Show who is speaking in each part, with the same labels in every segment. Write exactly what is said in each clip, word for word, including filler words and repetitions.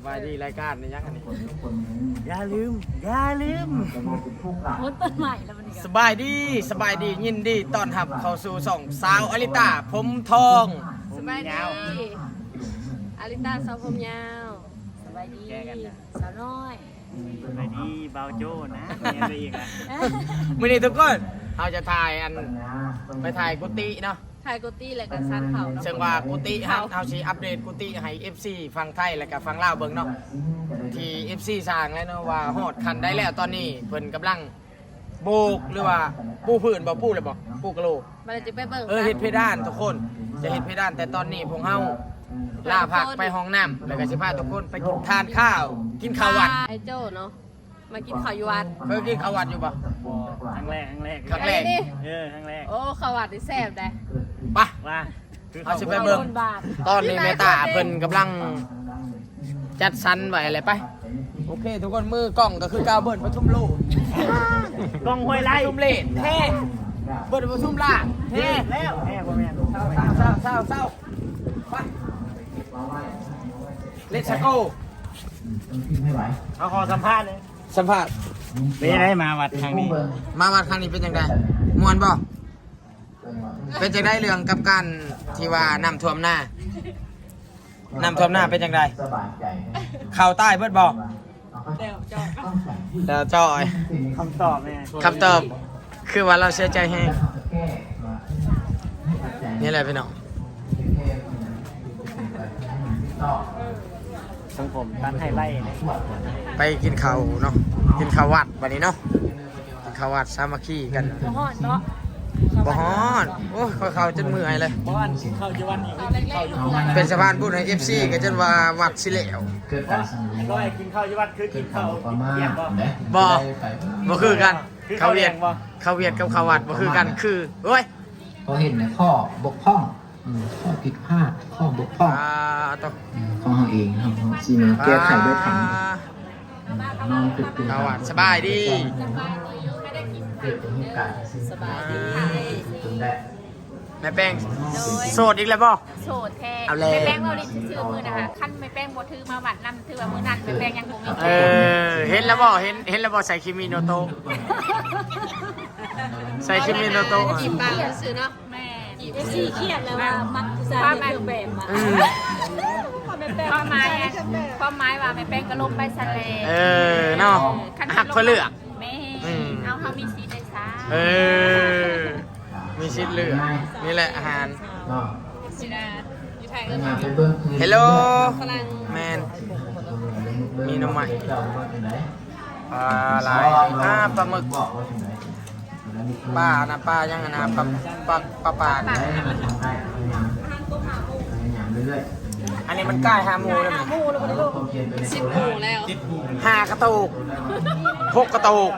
Speaker 1: บายดีรายการในยักษ์อันนี้อย่าลืมอย่าลืม
Speaker 2: โพสต์ต้นใหม่แล้วมัน
Speaker 1: สบายดีสบายดียินดีต้อนรับเข้าสู่ส่องสาวอลิตาผมทอง
Speaker 2: สบายดีอาริตาสาวผมยาวสบายดีสาวน้อย
Speaker 3: สวัสดีเบาโจ้นะมีอะไรอีกอ่ะ
Speaker 1: มื่อนี้ทุกคนเราจะถ่ายอันไปถ่ายกุฏิเนาะ
Speaker 2: ไทยกุตี้และกันซันเขา
Speaker 1: เชิงว่ากุฏิฮะเอาสิอัปเดตกุฏิให้ เอฟ ซี ฟังไทยและก็ฟังลาวเบิ่งเนาะที่ เอฟ ซี สร้างแล้วเนาะว่าฮอดคันได้แล้วตอนนี้เพิ่นกำลังโบกหรือว่าปูพื้นบ่ปูเลยบ่ปูกะโหลก
Speaker 2: มันจะไปเบิ่ง
Speaker 1: เออเฮ็ดเพดานทุกคนจะเฮ็ดเพดานแต่ตอนนี้พวกเฮาลาพักไปห้องน้ำแล้วก็สิพาทุกคนไปกินทานข้าว กินข้าววัด
Speaker 2: ไอ้โจ้เนาะมากินข้าวอยู่วัด
Speaker 1: เคยกินข้าววัดอยู่บ่
Speaker 3: ครั้งแรกครั้งแรก
Speaker 1: ครั้งแรก
Speaker 2: ไอ้นี่
Speaker 3: เออครั้งแรก
Speaker 2: โอ้ข้าววัดนี่แซ่บได้
Speaker 1: ไป
Speaker 3: ว่าคือ
Speaker 1: เอาสิไปเบิ่ง
Speaker 2: บาท
Speaker 1: ตอนนี้แม่ตาเพิ่นกำลังจัดสรรไว้อะไรไปโอเค ทุกคนมือกล้องก็คือกาวเบิร์ดปทุมโลก
Speaker 3: กล้องห้วยไร่
Speaker 1: ปทุมเลนเท่เบิร์ดปทุมล่างเท่
Speaker 3: แล้วแม่พ่อแม่
Speaker 1: เศร้าเศร้าเศร้าเศร้าไปเลสโก้
Speaker 3: เอาขอสัมภาษณ์เลย
Speaker 1: สัมภาษณ์
Speaker 3: เป็นยังไงมาวัดครั้งนี้
Speaker 1: มาวัดครั้งนี้เป็นยังไงมวนบ่เป็นจังได้เรื่องกับการที่ว่าน้ำท่วมหน้าน้ำท่วมหน้าเป็นยังไงเข่าใต้เบิดบ่เดี๋ยวจอย
Speaker 3: คำตอบเนี่ย
Speaker 1: คำตอบคือว่าเราเสียใจแห้งนี่แหละพี่น้อง
Speaker 3: สังผมตันให้ไล่เนี่ย
Speaker 1: ไปกินข้าวเนาะกินข้าววัดวันนี้เนาะกินข้าววัดสามัคคีกัน
Speaker 2: บ่ฮอดเนาะ
Speaker 1: บ่ฮ้อนโอ้ยข้อยเข้าจนเมื่อยเลย
Speaker 3: เพราะว่าเข้าอยู่วันนี้เข้าอยู่วัน
Speaker 1: เป็นสะพานบุญให้ เอฟ ซี ก็จนว่าวัดสิแล้ว
Speaker 3: ก็กินข้าวอยู่วันคือกินข้าวเยี่ยมบ่
Speaker 1: บ่บ่คือกันข้าวเวียดข้าวเวียดกับข้าววัดบ่คือกันคือโอ้ย
Speaker 4: เขาเห็นในข้อบกพร่องอืมข้อผิดพลาดข้อบกพร่อง
Speaker 1: อ่าต้อง
Speaker 4: อืมของเราเองครับซีเมแก้ไขด้วยธรรมน้องติดตัว
Speaker 1: ข้าววัดสบายดี
Speaker 4: เกิดเหตุการณ์
Speaker 2: สบายดี
Speaker 4: จนได้
Speaker 1: แม่แป้งโสดอีกแล้วบ่
Speaker 5: โสดแท้
Speaker 1: เอาแล้ว
Speaker 5: ไม่แป้งเราดิชื่อมือนะคะขั้นไม่แป้งบ่ถือมาบัดนำถือว่ามือนั้นไม่แป้งยังบ่มี
Speaker 1: เออเห็นแล้วบ่เห็นเห็นแล้วบ่ใส่คิมิโนโตะใส่คิมิโนโตะ
Speaker 2: จีบปากซื้อเนาะ
Speaker 5: แม่
Speaker 2: เอฟซีเครียดแล้วว่ามักผู้ชายเป็นเครื่องแบบมา
Speaker 1: อืม
Speaker 5: ความหมายอะความหมายว่าไม่แป้งก็ลงไปสะเล
Speaker 1: เออเนาะหักเพื่อเลือก
Speaker 5: แม่
Speaker 1: อืม
Speaker 5: เอาเฮามีสีได้ซะ
Speaker 1: เออ มีชิดเลือกนี่แหละอาหาร
Speaker 4: ก็
Speaker 2: สินะอยู่ไทย
Speaker 4: เป็
Speaker 2: เอิ้
Speaker 4: น
Speaker 2: น
Speaker 4: งาน
Speaker 2: ว่า
Speaker 4: ไปเบิ้งคืน
Speaker 1: เฮลโล
Speaker 2: ฝรั่ง
Speaker 1: แมน มี
Speaker 4: มี
Speaker 1: น้ำใหม่
Speaker 4: เจ้าว่าเป็นไหน
Speaker 1: ปลาไหลอ่าปลาหมึก
Speaker 4: บอกว่าเป็นไหน
Speaker 1: ปลานะปลายังไงนะปลาปลาปลาปลา
Speaker 4: ไหนมันทำได้พยายามพยายามเรื่อย
Speaker 1: อันนี้มันใกล้หาหมูแล้วมั้ย
Speaker 4: ๆความเพียรไปใน
Speaker 2: สิบ
Speaker 4: ตัว
Speaker 2: หมู่แล้ว
Speaker 1: ห้ากระตุกหกกระตุก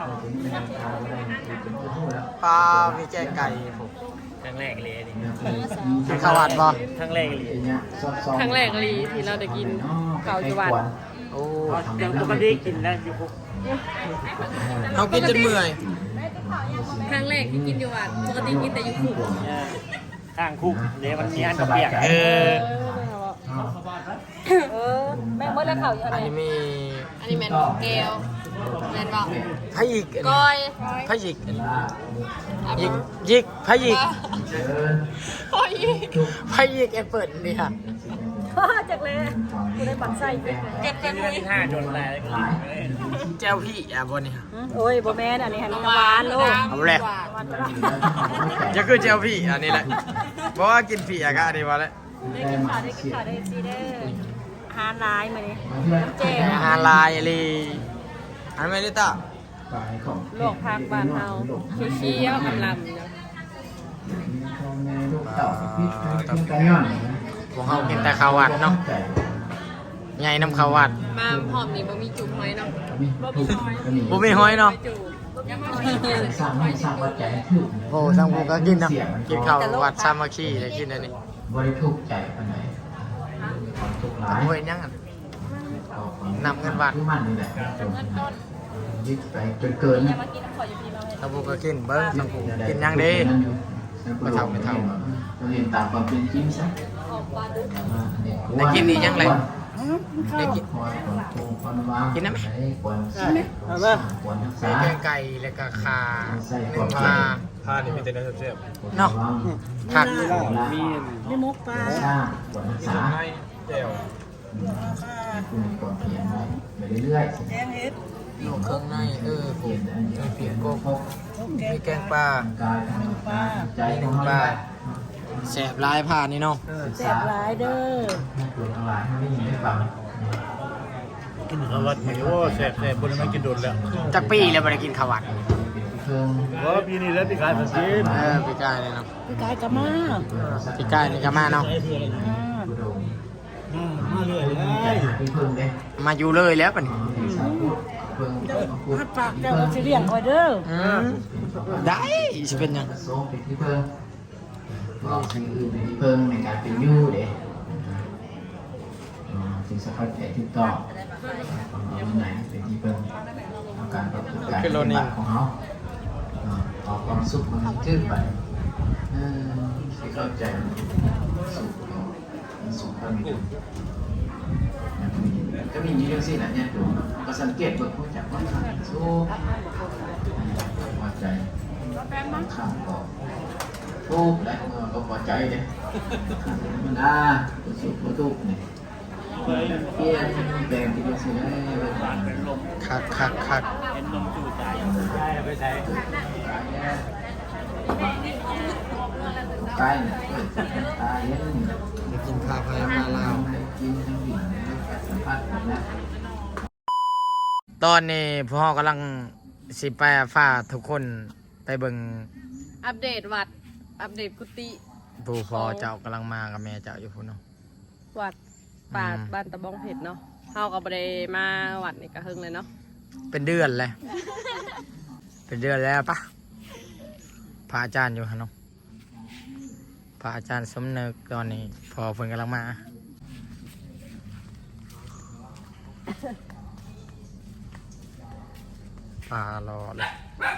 Speaker 1: ปลามีแกงไก่ผม
Speaker 3: ครั้งแรกเลยนี่
Speaker 1: กินข้าววัดบ่
Speaker 3: ครั้งแรกเลย
Speaker 2: ครั้งแรกลีที่เราได้กินเก่าอยู่วัด
Speaker 1: โอ้
Speaker 3: เดี๋ยวปกติกินแล้วอยู่คุก
Speaker 1: เขากินจนเมื่อย
Speaker 2: ครั้งแรกที่กินอยู่วัดปกติกินแต่อยู่คุก
Speaker 3: ข้างคุกเดี๋ยวมันมีอันกระเปียก
Speaker 1: เออ
Speaker 2: เออแม่งเมื่อแล้วเขาอยู่อะ
Speaker 1: อั
Speaker 2: ไร
Speaker 1: นนี้มี
Speaker 2: อันนี้แม่นเกลแม่นบอก
Speaker 1: พะยิก
Speaker 2: ก้อย
Speaker 1: พะยิกยิกยิกพะยิก
Speaker 2: ก้อย
Speaker 1: พะยิกแอปเปิลนี่ค่ะ
Speaker 2: จากเลยกูได้ปักไส้เก็บ
Speaker 3: เดือนที่ห้าจนแรง
Speaker 1: เจ้าพี่อ่ะบนนี่ค่ะ
Speaker 2: โอ้ยบ่แม่นอันนี้หันหวานลูก
Speaker 1: เอาแหละจะคือเจ้าพี่อันนี้แหละเพราะว่ากินพี่อ่ะก็อันนี้มาแล้ว
Speaker 2: ได้กินข้าวได้กินข้าวได้ซีเด้ออาหารร้ายมาเนี่ยเจ๊
Speaker 1: อาหารลายอะไรอันไม่ได้ต่อ
Speaker 2: โลกพักบ้านเฮาเคี้ยวๆลำๆเนาะ
Speaker 1: พวกเขากินแต่ข้าววัดเนาะใหญ่น้ำข้าววัด
Speaker 2: มาหอมนี่บ่มีจุ่มหอยเนาะบ่มีหอย
Speaker 1: บุมีห้อยเนาะ
Speaker 2: จุ่มยังบ่มี
Speaker 4: สร้างให้สร้างวัดใจให้ถูก
Speaker 1: โอ้ทางผมก็กินเนาะกินข้าววัดสามัคคีเลยกินอันนี้
Speaker 4: บริทุกข์ใจปานไหนความทุกข์ร้าย
Speaker 1: โอ้ยยังอ่ะ นำเงินวัด
Speaker 4: ที่มันนี่แหละจนยึดไปจนเกิน
Speaker 2: ยังมากินน้ำข่อยอยู่พี่เรา
Speaker 1: ทางผมก็กินเบิ้งทางผมกินยังดี ไม่เท่าไม่เท่า
Speaker 4: เราเห็นตามความเป็นจริงซะ
Speaker 2: ออกปลาดุก
Speaker 1: ได้กินอีกยังไงได้กิน กินได้ไหม
Speaker 4: ควรรักษา
Speaker 1: มีแกงไก่แล้วก็ขาหนึ่งปลา
Speaker 3: ผ้านี่มีแต่เนื้อเสียบ
Speaker 1: เนาะผัก
Speaker 3: มี
Speaker 6: ไม่มกปลา
Speaker 4: ชาควรรักษา
Speaker 3: ให้แจ่ว
Speaker 4: คุณก่อนเพียงไปเรื่อย
Speaker 6: แกงเห็ด
Speaker 1: ลูกเครื่องในเออ
Speaker 4: ๆ
Speaker 1: ผ
Speaker 4: เปลี่ย
Speaker 1: ม
Speaker 4: นอันนี้เปลี่ยนโกโก้
Speaker 1: มีแกงปลาก
Speaker 4: ายทางปลาใจ
Speaker 1: มีห
Speaker 4: ข
Speaker 1: นึ่
Speaker 4: อง
Speaker 1: ง
Speaker 4: เรา
Speaker 1: ปลาแสบลายผ่านนี่เนาะ
Speaker 6: แซ่บหลายเด้อ
Speaker 4: ตัวทั้งหลายไม่ยินได้ฟัง
Speaker 3: กินข้าววัดนี่โอ้แซ่บแซ่บคนไม่กินโดนแล้ว
Speaker 1: จักปีแล้วบ่ได้กินข้าวหวาน
Speaker 4: เครื่อง
Speaker 3: ว่าปีนี้แล้วพี่ขายสักที
Speaker 1: เออพี่กายเลยเนาะ
Speaker 6: พี่กายกะมา
Speaker 1: พี่กายนี่ก็มาเนาะ
Speaker 6: อ่า
Speaker 4: อุดม
Speaker 3: มาเลยเล
Speaker 4: ใจ
Speaker 3: ย
Speaker 4: ที่เพิ่งเด้
Speaker 1: มาอยู่เลยแล้วปะนี่
Speaker 4: สาวพูดเพิ่งพูด
Speaker 6: ฮัดปากเจ้าก็สิเลี้ยงคอยเด้อ
Speaker 1: อืมได้สิเป็นหยัง
Speaker 4: โซ่เป็นที่เพิ่งก็สิ่งอื่นเป็นที่เพิ่งในการเป็นยู่เด้สิ่งสำคัญแค่ที่ต่อเอาไหนเป็นที่เพิ่งเอาการประกอบการปฏิบัติของเขาเอาความสุขมันชื่นไปที่เข้าใจสุขสุขก็มีก็มีอยู่เรื่องสิ่งนั้นเนี่ยดูก็สังเกตเบิ่งผู้จักว่าสุขพอใจข้ามก็ทุกข์และก็พอใจเนี่ยมันอ่าสุขก็ทุกข์เนี่ยเปลี่ยนแปลงที่เป็นสิ่งนั้นเป็นลม
Speaker 1: คักคักคัก
Speaker 3: เป็นนมจูใจใช่ไปใช้
Speaker 4: ใกล้เนี่ยตายเย็น
Speaker 1: ได้กินข้าวพายมาลาว
Speaker 4: กินทั้งหินสัมผัสนะ
Speaker 1: ตอนนี้พ่อกำลังสิไปฟ้าทุกคนไปเบิ่ง
Speaker 2: อัปเดตวัด อัปเดตกุฏิ
Speaker 1: ผู้พ่อเจ้ากำลังมากับแม่เจ้าอยู่พุ่นเนาะ
Speaker 2: วัดป่า
Speaker 1: อืม
Speaker 2: บ้านตะบองเผ็ดเนาะเฮาก็บ่ได้มาวัดนี่ก็เฮิงเลยเนาะ
Speaker 1: เป็นเดือนเลยเป็นเดือนแล้วปะพระอาจารย์อยู่ฮะเนาะพระอาจารย์สมนึกตอนนี้พอเพิ่นกำลังมาปลารอเลย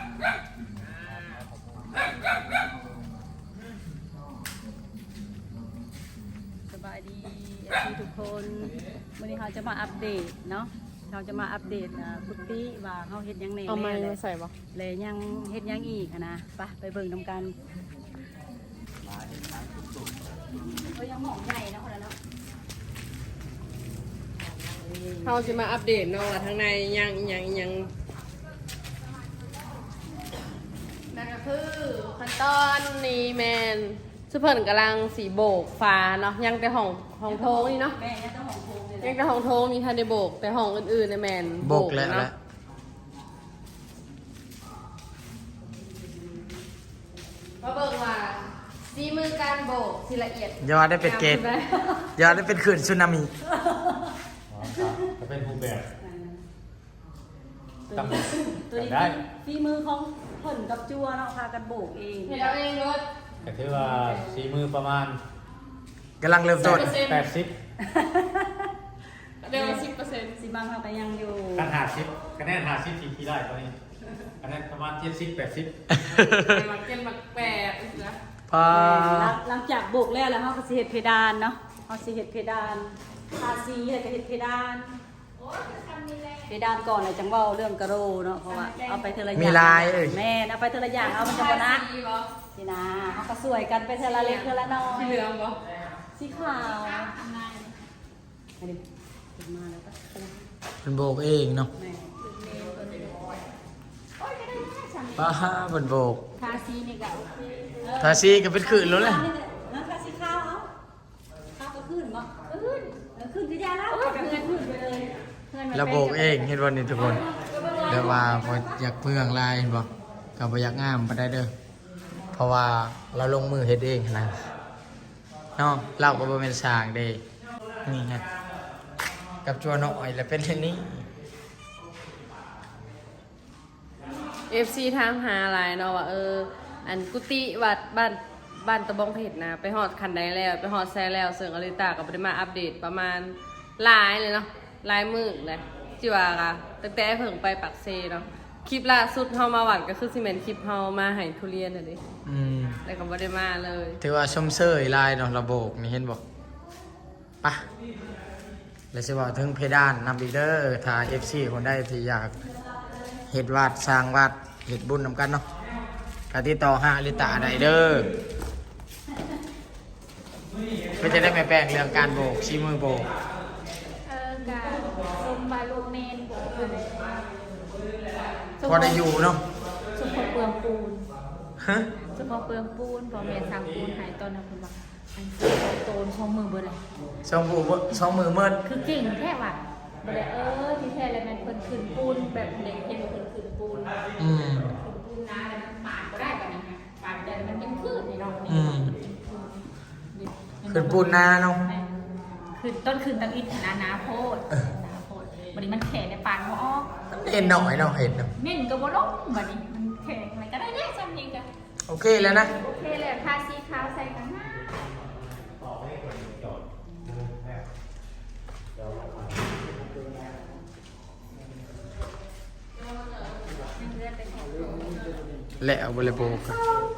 Speaker 5: สบายดีเอฟซีทุกคนวันนี้เราจะมาอัปเดตเนาะเราจะมาอัปเดตอ่ากุฏิว่าเขาเฮ็ดหยังแหน่
Speaker 2: เอาไม้
Speaker 5: แหน่
Speaker 2: มาใส่บ่
Speaker 5: เลยยังเฮ็ดหยังอีกอะนะไปไปเบิ่งนำกันก็ยังหมองใหญ่นะคนละเนาะ
Speaker 2: เฮาสิมาอัปเดตเนาะว่าทางในยังยังยังนั่นก็คือขั้นตอนนี้แมนซุเพิ่นกำลังสีโบกฟ้าเนาะยังแต่ห้องห้องโถงนี่เนาะ
Speaker 5: แม่ยังต้องหองโพงเลย
Speaker 2: ยังแต่ห้องโถงมีทันได้โบก แต่ห้องอื่นๆในยแมน
Speaker 1: โบกแล้ว
Speaker 2: เนาะ
Speaker 1: แหละ
Speaker 2: มาเบิ่งว่าสีมือการโบกสิละเอียด
Speaker 1: ยอดได้เป็นเกตยอดได้เป็นขื่นสึนามิ
Speaker 3: จะเป็นผู้แบบ
Speaker 5: ตัวนี้ตัวนี้ฝีมือของเพิ่นกับจัวเนาะพากันโบกเอง
Speaker 2: เห็นเอาเองรถ
Speaker 3: แต่ถือว่าสีมือประมาณ
Speaker 1: กำลังเริ่มต้น
Speaker 3: แปดสิบ
Speaker 2: เร็วสิบเปอร์เซ็นต์
Speaker 5: สิบางเขาก็ยังอยู่
Speaker 3: การหาสิบคะแนนหาสิบทีทีได้ตอนนี้คะแนนประมาณเจ็ดสิบแปดสิบ
Speaker 2: มาเก็นมาแปดนะ
Speaker 1: พา
Speaker 5: หลังหลังจากโบกแล้วแล้วเขาก็สิเฮ็ดเพดานเนาะเขาสิเฮ็ดเพดานทาสีแล้วก็เฮ็ดเพดานเพดานก่อนเลยจังเว้าเรื่องกระโรเนาะเพราะว่าเอาไปเทอละอย่าง
Speaker 1: มีลายเอ้ย
Speaker 5: แม่นเอาไปเทอละอย่างเอามันจะบ่นัก
Speaker 2: สีบ่
Speaker 5: สินะเขาก็สวยกันไปเทอละเล็กเทอละน้อย
Speaker 2: สีเหลืองบ่
Speaker 5: สีขาวอันนี้ขึ้นมาแล้วก็
Speaker 1: เป็นโบกเองเนาะ
Speaker 5: แม่
Speaker 1: ป้าเป็นโบก
Speaker 5: ทาสีนี่ก็
Speaker 1: ทาซีก็เป็นขื่นแล้วเลย
Speaker 5: นะทาสีขาวเอาขาวก็ขึ้นบ่ขึ้นเออขึ้นที่ยาแล้วก็ขึ้นขึ้นไปเลย
Speaker 1: แล้วโบกเองเห็นวันนี้ทุกคนเดี๋ยวว่าพออยากเมืองลายเห็นบ่ก็บ่อยากงามไปได้เด้อเพราะว่าเราลงมือเฮ็ดเองนะเนาะเราก็บ่เป็นสร้างเด้นี่ไงกับจัวน้อยแล้วเป็นเช่นนี้
Speaker 2: เอฟซีถามหาหลายเนาะว่าเอออันกุฏิวัดบ้านบ้านตะบองเผ็ดนะไปฮอดคันใดแล้วไปฮอดแซ่แล้วเสิร์งอลิตาก็บ่ได้มาอัปเดตประมาณหลายเลยเนาะหลายมื้อเลยจิว่าก็ตั้งแต่เพิ่งไปปักเซเนาะคลิปล่าสุดเฮามาวัดก็คือสิแม่นคลิปเฮามาให้ทุเรียนน่ะเด้
Speaker 1: อืม
Speaker 2: แต่ก็บ่ได้มาเลย
Speaker 1: ถือว่าชมเชยลายเนาะระโบกนี่เห็นบ่ปะและสิว่าถึงเพดานนำอีกเด้อถ้า เอฟ ซี คนใดที่อยากเฮ็ดวาดสร้างวาดเฮ็ดบุญนำกันเนาะก็ติดต่อหาอลิตาได้เด้อเพื่อจะได้ไม่แปลงเรื่องการโบกชี้มือโบก
Speaker 7: เออกะซุมบาลูกเมนโบกเลย
Speaker 1: พอได้อยู่เนาะ
Speaker 7: ซุมพอเปลืองปูน
Speaker 1: ฮะ
Speaker 7: ซุมพอเปลืองปูนพอเมนสั่งปูนหายตอนนั้นคุณบอกอันซุมพอโตนช่องมือเบอร์เลย
Speaker 1: สองมือสองมือเมิด
Speaker 7: คือเก่งแค่ว่ะบ่ได้เออที่แท้แล้วมันเพิ่นขึ้นปูนแบบเด็กเห็นเพิ่นขึ้นปูน
Speaker 1: อืม
Speaker 7: ขึ้นปูนนะแล้วมันปาดก็ได้แบบนี้ฮะปาดแต่มันยังขึ้นนี่เนาะ
Speaker 1: อืมขึ้นปูนนาเนาะ
Speaker 7: คือต้นคืนตังอินนานาโพดนาโพดวันนี้มันแข็งในปานบ่ออก
Speaker 1: เห็นหน่อยเนาะเห็นเนาะ
Speaker 7: เม่นก็บ่ลงวันนี้มันแข็งอะไรก็ได้แน่ซ้ำนี่ก็
Speaker 1: โอเคแล้วนะ
Speaker 7: โอเคเลยทาสีขาวใส่กันหน้ายังเลือดไปแข็ง
Speaker 1: และเอาบริโภค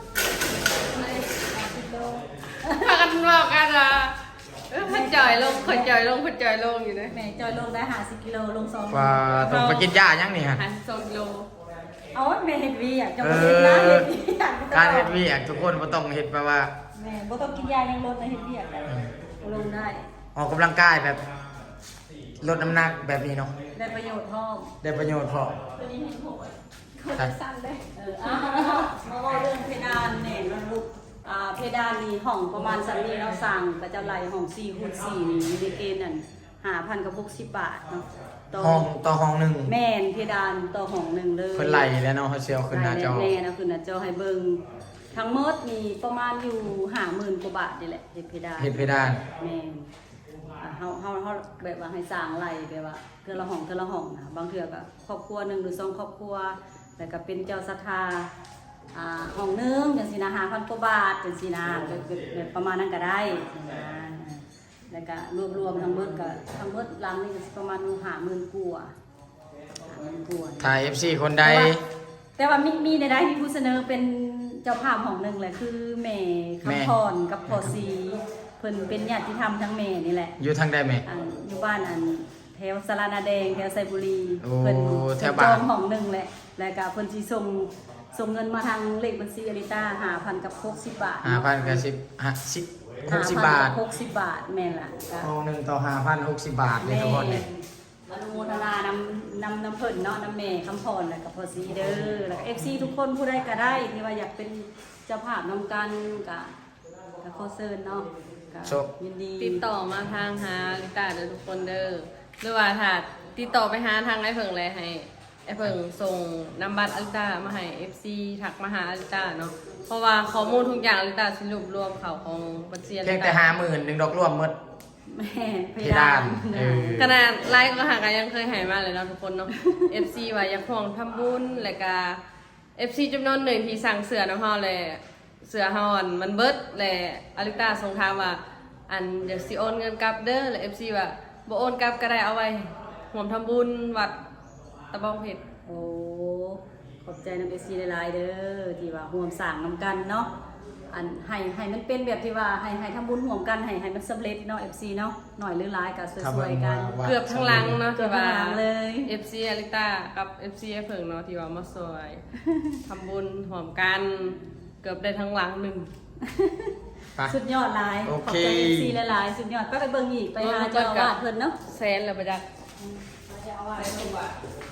Speaker 2: พากันบอกกันอ่ะเออพันจอยลงพันจอยลงพันจอยลงอยู่นะ
Speaker 5: แม่จอยลงได้ห้าสิบกิโลลงสอง
Speaker 1: ว่าต้องไปกินยายังนี่ฮะ
Speaker 2: หันสองกิโล
Speaker 5: เอาแม่เฮ็ดวีอ่ะจะ
Speaker 1: เอ
Speaker 5: บ่เฮ็ดนะ
Speaker 1: อ
Speaker 5: เฮ็ดวีอ่ะ
Speaker 1: การเฮ็ดเวียกทุกคนบ่ต้องเฮ็ดแปลว่า
Speaker 5: แม่บ่ต้องกินยายังลดนะเฮ็ดวีอ่ะได้ลงได้
Speaker 1: ออกกำลังกายแบบลดน้ำหนักแบบนี้เนาะ
Speaker 5: ได้ประโยชน์พร้อม
Speaker 1: ได้ประโยชน์พอ
Speaker 7: ตัวนี้เห็นหัวเขาจะสั่นเลย
Speaker 5: เอออ่ะมาว่าเรื่องเพดานเนี่ยมันลูกอ่าเพดานนี่ห้องประมาณสันนี้เราสั่งก็จะไล่ห้องสี่คูณสี่นี่อยู่ในเกณฑ์นั่นห้าพันกับหกสิบบาทเนาะต่อ
Speaker 1: ห้องต่อห้องหนึง
Speaker 5: แม่นเพดานต่อห้องหนึ่งเลย
Speaker 1: เพิ่นไล่แล้วเนาะเฮาสิเอาขึ้นหน้าจอ
Speaker 5: แน่นะขึ้นหน้าจอให้เบิ่งทั้งหมดนี่ประมาณอยู่ห้าหมื่นกว่าบาทนี่แหละเฮ็ดเพดาน
Speaker 1: เฮ็ดเพดาน
Speaker 5: แม่นอ่าเฮาเฮาเฮาแบบว่าให้สร้างไล่แบบว่าเทื่อละห้องเทื่อละห้องนะบางเทื่อก็ครอบครัวหนึงหรือสองครอบครัวแล้วก็เป็นเจ้าศรัทธาอ่าห้องหนึงจังซี่นะห้าพันกว่าบาทจังซี่นะแบบแบบแบบประมาณนั้นก็ได้จังซี่นะแล้วก็รวมๆทั้งหมดก็ทั้งหมดหลังนี่ก็สิประมาณอยู่ห้าหมื่นกว่าห้าหมื่นกว่า
Speaker 1: ถ้า เอฟ ซี คนใด
Speaker 5: แต่ว่ามีมีในได้ที่ผู้เสนอเป็นเจ้าภาพของหนึ่งแหละคือแม่คำพรกับพ่อซีเพิ่นเป็นญาติธรรมทั้งแม่นี่แหละ
Speaker 1: อยู่ทางใดแม่
Speaker 5: อันอยู่บ้านอันแถวสารนาแดงแถวไซบุรี
Speaker 1: โอ้
Speaker 5: เพิ่น
Speaker 1: แถวบ้าน
Speaker 5: จองของหนึ่งแหละแล้วก็เพิ่นสิส่งส่งเงินมาทางเลขบัญชีอริต้าห้าพันกับหกสิบบาท
Speaker 1: ห้าพันกับสิบห้าสิบหกสิบบาท
Speaker 5: หกสิบบาทแม่นล่ะก็
Speaker 1: ห้องหนึงต่อห้าพันหกสิบบาทเลยทุกคนนี่
Speaker 5: อนุโมทนานำนำน้ำเพิ่นเนาะน้ำแม่คำพรแล้วก็พ่อซีเด้อแล้วก็ เอฟ ซี ทุกคนผู้ใดก็ได้ที่ว่าอยากเป็นเจ้าภาพนำกันก็ก็ขอเชิญเนาะก็ยินดี
Speaker 2: ติดต่อมาทางหาลิตาเด้อทุกคนเด้อหรือว่าถ้าติดต่อไปหาทางไอ้เพิ่งเลยให้ไอ้เพิ่งส่งนำบัตรอลิตามาให้ เอฟ ซี ทักมาหาอลิตาเนาะเพราะว่าข้อมูลทุกอย่างอลิตาสิรวบรวมเขาของบัญชีอลิ
Speaker 1: เพียง
Speaker 2: ตา
Speaker 1: แต่ห้าหมื่นหนึ่งดอกรวมหมด
Speaker 5: แม่เพ
Speaker 1: เพดานเออ
Speaker 2: ขนาดไลฟ์ก็หากันยังเคยใหายมาเลยเนาะทุกคนเนาะ เอฟ ซี ว่าอยากห่วงทำบุญแล้วก็ เอฟ ซี จำนวนหนึ่งที่สั่งเสือน้ำเฮาเลยเสือเฮาอันมันเบิดแหละอลิตาส่งถามว่าอันเดี๋ยวสิโอนเงินกลับเด้อแล้ว เอฟ ซี ว่าบ่โอนกลับก็ได้เอาไว้ห่วมทำบุญวัดตะบองเพชร
Speaker 5: โอ้ขอบใจน้ำเอฟซีหลายๆเด้อที่ว่าร่วมสร้างนำกันเนาะอันให้ให้มันเป็นแบบที่ว่าให้ให้ทำบุญร่วมกันให้ให้มันสำเร็จเนาะ เอฟ ซี เนาะหน่อยหรือหลายก็สวยๆกัน
Speaker 1: ว่า
Speaker 2: เกือบทั้งหลังเนาะ
Speaker 5: เกือบทั้งหลังเลย
Speaker 2: เอฟ ซี อลิตากับ เอฟ ซี ไอ้เพิ่งเนาะที่ว่ามาสวย ทำบุญห่วมกันเกือบได้ทั้งหลังหนึ่ง
Speaker 1: ไป
Speaker 5: สุดยอดหลาย
Speaker 1: โอ
Speaker 5: ขอบ
Speaker 1: เค
Speaker 5: ใจ เอฟ ซี หลายๆสุดยอดก็ไปเบิ่งอีกไปหาเจ้าอาวาสเพิ่นเนาะ
Speaker 2: แซนเลยประจักษ์
Speaker 5: เจ้าอาวาสเพิ่นว่า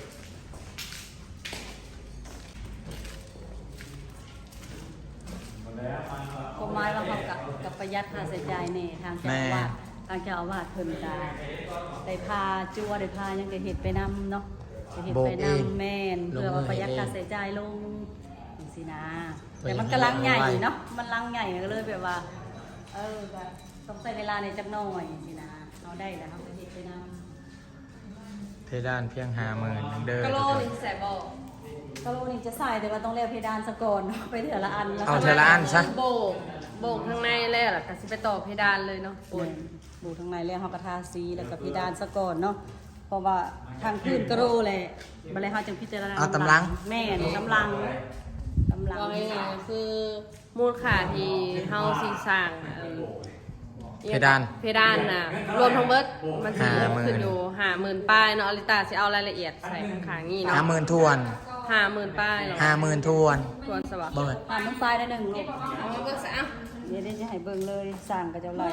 Speaker 5: ก็หมายว่าเขากับกับประหยัดค่าใช้จ่ายแน่ทางเจ้าอาวาสทางเจ้าอาวาสเพิ่นก็ได้พาจั่วได้พาหยังได้เฮ็ดไปนำเนาะได้เฮ็ดไปนำแม่นเพื่อว่าประหยัดค่าใช้จ่ายลงจังซี่นะแต่มันก็ลังใหญ่เนาะมันลังใหญ่ก็เลยแบบว่า เออก็ต้องใช้เวลาในจักหน่อยสินะเอาได้แล้วเขาก็เฮ็ดไปนำ
Speaker 1: เพดานเพียงห้าหมื่นเด้อก
Speaker 2: ะโล
Speaker 1: ทุกคน
Speaker 2: ลิงแสบบอก
Speaker 5: กะโหลนี่จะใส่แต่ว่าต้องเรียกเพดานสะก่อนเนาะไปเถื่อละอันแล้ว
Speaker 1: เอาเทอละอันซะ
Speaker 2: โบกโบกข้างในแล้วล่ะก็สิไปต่อเพดานเลยเนาะ
Speaker 5: บนบูทางในเรียกเฮากระทาสีแล้วก็เพดานสะก่อนเนาะเพราะว่าทางพื้นกะโหลแหละบ่ได้เฮาจึงพิจารณา
Speaker 1: เอาตำลัง
Speaker 5: แม่นตำลังตำลัง
Speaker 2: ว่าง่ายๆคือมูลค่าที่เฮาสิสร้างเอ่อ
Speaker 1: เพดาน
Speaker 2: เพดานน่ะรวมทั้งเบิดมันสิ
Speaker 1: ห้าหมื่น
Speaker 2: ขึ้นอยู่ห้าหมื่นป้ายเนาะอลิตาสิเอารายละเอียดใส่ข้างๆนี่เนาะ
Speaker 1: ห้าหมื่นทวน
Speaker 2: ห้าหมื่นป้ายเหรอ
Speaker 1: ห้าหมื่นทวน
Speaker 2: ทวนสวัสดิ์
Speaker 1: เบิด
Speaker 5: ผ่านน้องทรายได้หนึ่งลูก
Speaker 2: เอามาเบิ่งซะเอ้า
Speaker 5: เดี๋ยวได้จะให้เบิ่งเลยสร้างกับเจ้าไหล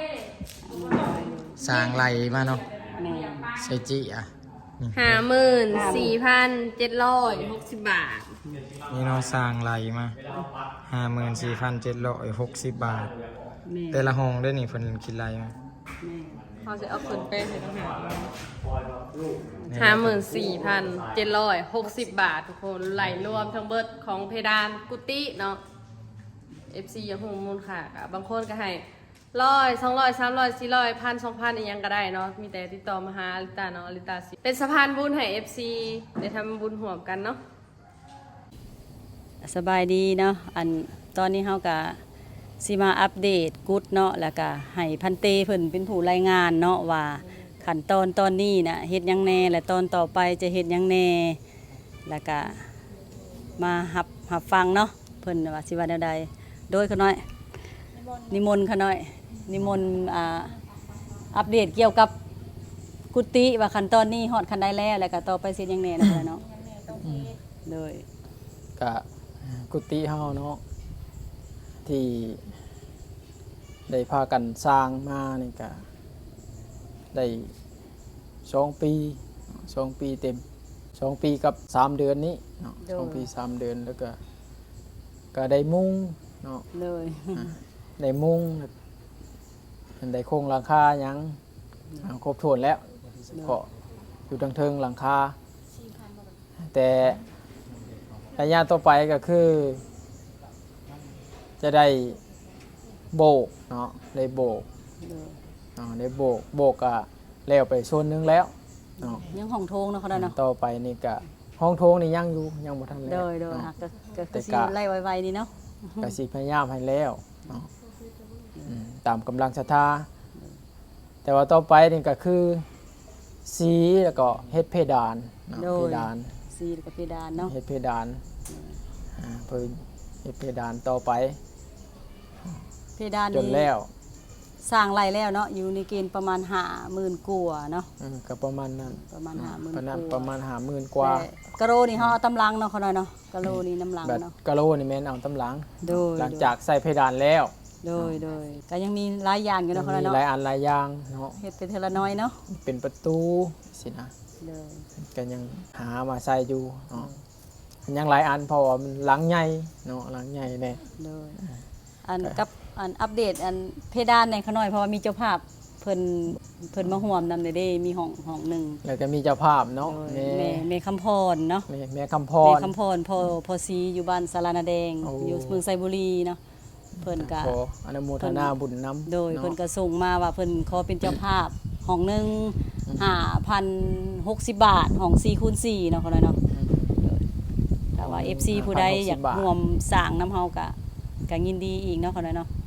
Speaker 1: สร้างไหลมาเนาะ
Speaker 5: แม่
Speaker 1: ใส่จิอ่ะนี่
Speaker 2: ห้าหมื่นสี่พันเจ็ดร้อยหกสิบบาท
Speaker 1: นี่เนาะสร้างไหลมาห้าหมื่นสี่พันเจ็ดร้อยหกสิบบาท
Speaker 5: แม่
Speaker 1: แต่ละห้องได้นี่เพิ่นคิดไหลมา
Speaker 5: แม่
Speaker 2: เขาจะเอาขึ้นไปให้ทหารห้าหมื่นสี่พันเจ็ดร้อยหกสิบบาททุกคนไหลรวมทั้งเบิดของเพดานกุฏิเนาะ เอฟ ซี ยังคงมูลค่าค่ะบางคนก็ให้ร้อยสองร้อยสามร้อยสี่ร้อยพันสองพันอีกยังก็ได้เนาะมีแต่ติดต่อมาหาอลิตาเนาะอลิตาสิเป็นสะพานบุญให้ เอฟ ซี ได้ทำบุญห่วมกันเนาะ
Speaker 5: สบายดีเนาะอันตอนนี้เฮาก็สิมาอัปเดตกุ๊ดเนาะแล้วก็ให้พันเตเพิ่นเป็นผู้รายงานเนาะว่าขั้นตอนตอนนี้น่ะเฮ็ดหยังแน่และตอนต่อไปจะเฮ็ดหยังแน่แล้วก็มาหับหับฟังเนาะเพิ่นว่าสิว่าแนวใดโดยเขาน้อยนิมนต์เขาน้อยนิมนต์อ่าอัปเดตเกี่ยวกับกุฏิว่าขั้นตอนนี้ฮอดขั้นใดแล้วแล้วก็ต่อไปสิเฮ็ดหยังแน่นะเนาะโดย
Speaker 8: กะกุฏิเฮาเนาะที่ได้พากันสร้างมานี่กะได้สองปีสองปีเต็มสองปีกับสามเดือนนี้เนาะ
Speaker 5: โดย
Speaker 8: สองปีสามเดือนแล้วก็ก็ได้มุ้งเนาะ
Speaker 5: เลย
Speaker 8: อ่าได้มุ้งได้โครงหลังคาหยังอ่าครบถ้วนแล้วเฉพาะอยู่ทางเทิงหลังคาแต่ระยะต่อไปก็คือ จะได้โบกเนาะได้โบก
Speaker 5: เลย
Speaker 8: เนาะได้โบกโบกอะแล้วไปโซนนึงแล้วเนาะ
Speaker 5: ยังห้องโถงเนาะเขาได้เนาะ
Speaker 8: ต่อไปนี่ก็ห้องโถงนี่ยังอยู่ยังบ่ทันแล้ว
Speaker 5: โดยโดย
Speaker 8: เนาะ
Speaker 5: ฮะก็ก็
Speaker 8: แต่
Speaker 5: คือสิ
Speaker 8: กะ
Speaker 5: ไล่ไวๆนี่เนาะ
Speaker 8: ก็สิพยายามให้แล้วเนาะอืมตามกำลังศรัทธาแต่ว่าต่อไปนี่ก็คือสีแล้วก็เฮ็ดเพดานเนาะเพดาน
Speaker 5: ซีกับเพดานเนาะ
Speaker 8: เฮ็ดเพดานอ่าเพิ่นเฮ็ดเพดานต่อไป
Speaker 5: เพดาน
Speaker 8: จน
Speaker 5: นี่
Speaker 8: แล้ว
Speaker 5: สร้างไล่แล้วเนาะอยู่ในเกณฑ์ประมาณห้าหมื่นกว่าเนาะ
Speaker 8: อืมก็ประมาณนั้น
Speaker 5: ประมาณห้าหมื่น
Speaker 8: ประมาณ
Speaker 5: ก
Speaker 8: ประ
Speaker 5: ว่า
Speaker 8: มาณห้าหมื่นกว่า
Speaker 5: แต่กะโรนี่เฮาเอาตำลังเนาะเขาหน่อยเนาะกะโรนี่น้ำลัง
Speaker 8: แบบ
Speaker 5: เนาะ
Speaker 8: กะโหลนี่แม่นเอาตำหลัง
Speaker 5: โดย
Speaker 8: หลังจากใส่เพดานแล้ว
Speaker 5: โดยโดยก็ยังมีหลายอย่างอยู่เนาะเขาหน่อย
Speaker 8: มี
Speaker 5: เนาะ
Speaker 8: หลายอันหลายอย่างเนาะ
Speaker 5: เฮ็ดเป็นเทอละน้อยเนาะ
Speaker 8: เป็นประตูสินะ
Speaker 5: โดย
Speaker 8: ก็ยังหามาใส่อยู่เนาะยังหลายอันเพราะว่ามันหลังใหญ่เนาะหลังใหญ่แน่
Speaker 5: โดยอันกับอันอัปเดตอันเพดานในเขาหน่อยเพราะว่ามีเจ้าภาพเพิ่นเพิ่นมาห่วมนำได้เด้มีห้องห้องหนึง
Speaker 8: แล้วก็มีเจ้าภาพเนาะ
Speaker 5: โดย
Speaker 8: แม่
Speaker 5: แม่แม่คำพรเนาะ
Speaker 8: แม่แม่คำพ
Speaker 5: แม่
Speaker 8: ร
Speaker 5: คำพรพอพอซีอยู่บ้านสารานาแดง
Speaker 8: โอ้
Speaker 5: อยู่เมืองไซบุรีเนาะเพิ่นก็
Speaker 8: ขออนุโมทนาบุญนำ
Speaker 5: โดยเพิ่นก็ส่งมาว่าเพิ่นขอเป็นเจ้าภาพห้องหนึงห้าพันหกสิบบาทห้องสี่คูณสี่เนาะเขาเลยเนาะแต่ว่า เอฟ ซี ผู้ใดอยากร่วมสร้างน้ำเฮาก็ก็ยินดีอีกเนาะเขาเลยเนาะ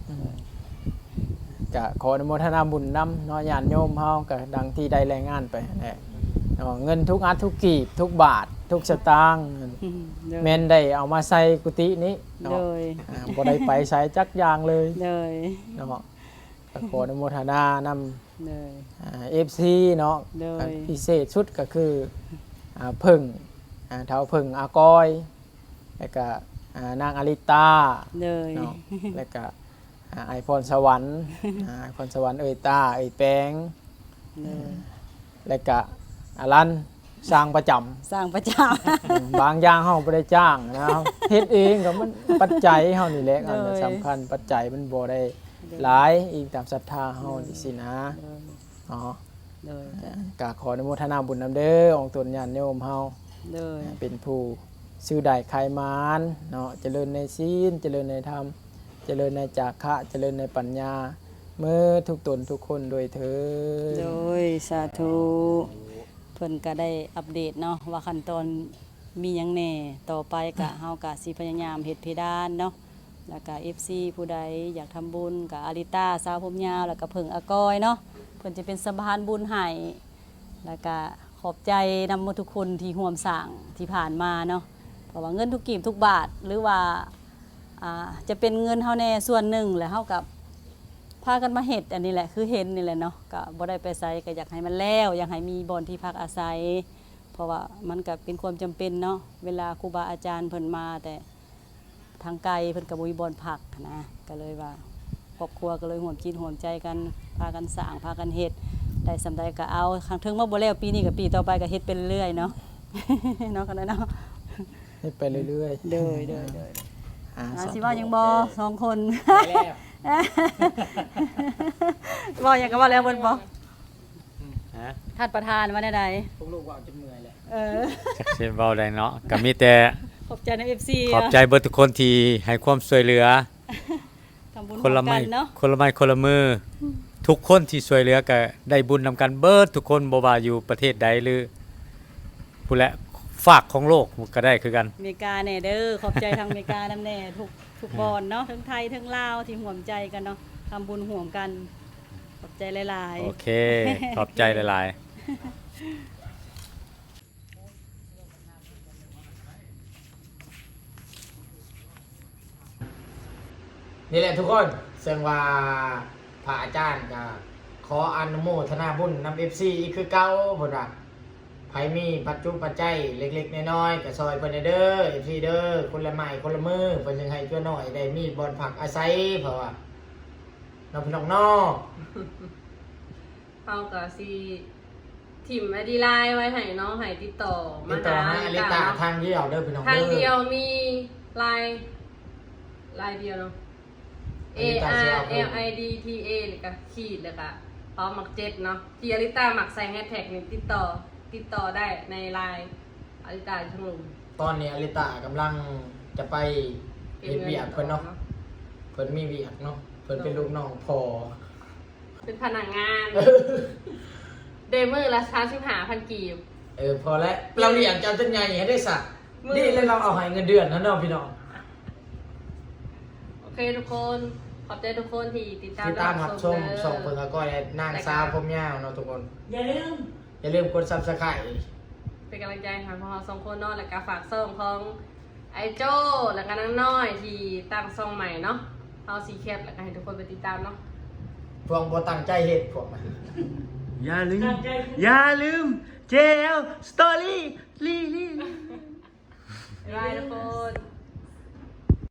Speaker 8: ก็ขออนุโมทนาบุญนำเนาะญาติโยมเฮาก็ดังที่ได้รายงานไปนั่นแหละเนาะเงินทุกอัดทุกกีบทุกบาท ทุกสตางค์
Speaker 5: อืมโดย
Speaker 8: แม่นได้เอามาใส่กุฏินี้
Speaker 5: โด
Speaker 8: เนาะ
Speaker 5: ย
Speaker 8: อ่าบ่ได้ไปใช้จักอย่างเลย
Speaker 5: โดย
Speaker 8: เนาะก็ขออนุโมทนานำ
Speaker 5: โดย
Speaker 8: อ่า เอฟ ซี เนาะ
Speaker 5: โดย
Speaker 8: อันพิเศษชุดก็คืออ่าเพิ่งอ่าเท้าเพิ่งอากอย แล้วก็อ่านางอลิตา
Speaker 5: โดย
Speaker 8: เนาะแล้วก็อ่าไอพรสวรรค์อ่าไอพรสวรรค์เอ่ยตาเอ่ยแปง
Speaker 5: โดย
Speaker 8: แล้วก็อารันสร้างประจำ
Speaker 5: สร้างประจ
Speaker 8: อืมบางอย่างเฮาบ่ได้จ้างนะครับเฮ็ดเองก็มันปัจจัยเฮานี่แหละอันนั้นสำคัญปัจจัยมันบ่ได้หลายอีกตามศรัทธาเฮานี่สินะ
Speaker 5: ำ
Speaker 8: อ๋อ
Speaker 5: โดย
Speaker 8: ก็ขออนุโมทนาบุญนำเด้อองค์ตนญาติโยมเฮา
Speaker 5: โดย
Speaker 8: เป็นผู้ซื้อได้ขายมานเนาะเจริญในศีลเจริญในธรรมเจริญในจาคะเจริญในปัญญาเมื่อทุกตนทุกคนโดยเถิด
Speaker 5: โดยสาธุเพิ่นก็ได้อัปเดตเนาะว่าขั้นตอนมีหยังแหน่ต่อไปก็เฮาก็สิพยายามเฮ็ดเพดานเนาะแล้วก็ เอฟ ซี ผู้ใดอยากทำบุญก็อาริต้าสาวผมยาวแล้วก็เพิ่งอากอยเนาะเพิ่นจะเป็นสะพานบุญให้แล้วก็ขอบใจนำหมดทุกคนที่ร่วมสร้างที่ผ่านมาเนาะเพราะว่าเงินทุกกีบทุกบาทหรือว่าอ่าจะเป็นเงินเฮาแน่ส่วนหนึ่งแล้วเฮากับพากันมาเฮ็ดอันนี้แหละคือเห็นนี่แหละเนาะก็บ่ได้ไปไสก็อยากให้มันแล้วอยากให้มีบ่อนที่พักอาศัย เพราะว่ามันก็เป็นความจำเป็นเนาะเวลาครูบาอาจารย์เพิ่นมาแต่ทางไกลเพิ่นก็บ่มีบ่อนพักนะก็เลยว่าครอบครัวก็เลยร่วมจิตร่วมใจกันพากันสร้างพากันเฮ็ดได้สำใดก็เอาครั้งถึงมาบ่แล้วปีนี้ก็ปีต่อไปก็เฮ็ดไปเรื่อยๆเนาะ เนาะกันเนาะ
Speaker 8: ให้ไปเรื่อยๆ
Speaker 5: เด้อเด้อเด้อ
Speaker 8: อ่า
Speaker 5: อ่า
Speaker 8: สาธุ
Speaker 5: สิว่ายังบ่สองคน
Speaker 1: ไปแล้ว
Speaker 5: บ่ยังก็ว่าแล้วเพิ่นบ่
Speaker 3: ฮะ
Speaker 5: ท่านประธานว่าได้ใด
Speaker 1: พวกลูกว่าจนเมื่อยแล้ว
Speaker 5: เออ
Speaker 3: จักสิเว้าได้เนาะก็มีแต่
Speaker 5: ขอบใจใน เอฟ ซี
Speaker 3: ขอบใจเบิดทุกคนที่ให้ความช่วยเหลือ
Speaker 5: ทำบุญ
Speaker 3: คนละ
Speaker 5: ร่ว
Speaker 3: ไม้
Speaker 5: กันเนาะ
Speaker 3: คนละไม้คนละมือทุกคนที่ช่วยเหลือก็ได้บุญนำกันเบิดทุกคนบ่ว่าอยู่ประเทศใดหรือผู้และฝากของโลกก็ได้คือกัน
Speaker 5: อเมริกาแน่เด้อขอบใจทางอเมริกานำแน่ทุกทุกบอนเนาะทั้งไทยทั้งลาวที่ห่วมใจกันเนาะทำบุญห่วมกัน ขอบใจหลาย
Speaker 3: โอเค ขอบใจหลาย
Speaker 1: นี่แหละทุกคนเสียงว่าพระอาจารย์ก็ขออนุโมทนาบุญนำ เอฟ ซี อีกคือเก่าพุ่นว่าไผมีปัจจุปัจจัยเล็กๆน้อยๆก็ซอยเพิ่นเด้อ เอฟ ซี เด้อคนละไม้คนละมือเพิ่นจึงให้ชั่วน้อยได้มีบ่อนพักอาศัยเพราะว่าน้องพี่น้องนอก
Speaker 2: เฮาก็สิถิ่มไอดีไลน์ไว้ให้น้องให้ติดต่อ
Speaker 1: ติ
Speaker 2: มา
Speaker 1: ดต่อ
Speaker 2: หา
Speaker 1: หาอลิตาทางเดียวเด้อพี่น้อง
Speaker 2: ทาง
Speaker 1: เด้อ
Speaker 2: เดียวมีไลน์ไลน์เดียวเนาะ A
Speaker 1: อลิตาสิ
Speaker 2: R
Speaker 1: เอาเพิ่ม
Speaker 2: L I D T A แล้วก็ขีดแล้วก็พร้อมหมักเจ็ดเนาะที่อลิตาหมักใส่แฮชแท็กนี่ติดต่อติดต่อได้ในไลน์อลิตาช่างลุง
Speaker 1: ตอนนี้อลิตากำลังจะไปเฮ็ดเวียกเพิ่นเนาะเพิ่นมีเวียกเนาะเพิ่นเป็นลูกน้องพอ
Speaker 2: เป็นพนักงาน เดมือละสามสิบห้าพันกีบ
Speaker 1: เออพอแล้วเราเลี้ยงเจ้าจนใหญ่ให้ได้สัก
Speaker 2: มือ
Speaker 1: นี่แล้วเราเอาให้เงินเดือนนะเนาะพี่น้อง
Speaker 2: โอเคทุกคนขอบใจทุกคนที่ติดตาม
Speaker 1: ที่ตามรับชม
Speaker 2: เด้อ
Speaker 1: ส่งเพิ่นก็ได้นางสาวผมยาวเนาะทุกคน
Speaker 6: อย่าลืม
Speaker 1: อย่าลืมกด Subscribe
Speaker 2: เป็นกำลังใจให้พวกเราสองคนเนาะแล้วก็ฝากส่งของไอโจ้แล้วก็นางน้อยที่ตั้งช่องใหม่เนาะเอาสีแคปแล้วก็ให้ทุกคนไปติดตามเนาะ
Speaker 1: พวกบ่ตั้งใจเฮ็ดพวกมัน
Speaker 9: อย่าลืม อย่าลืม เจ แอล Story ลี่ลี่
Speaker 2: บ๊ายบายทุกคน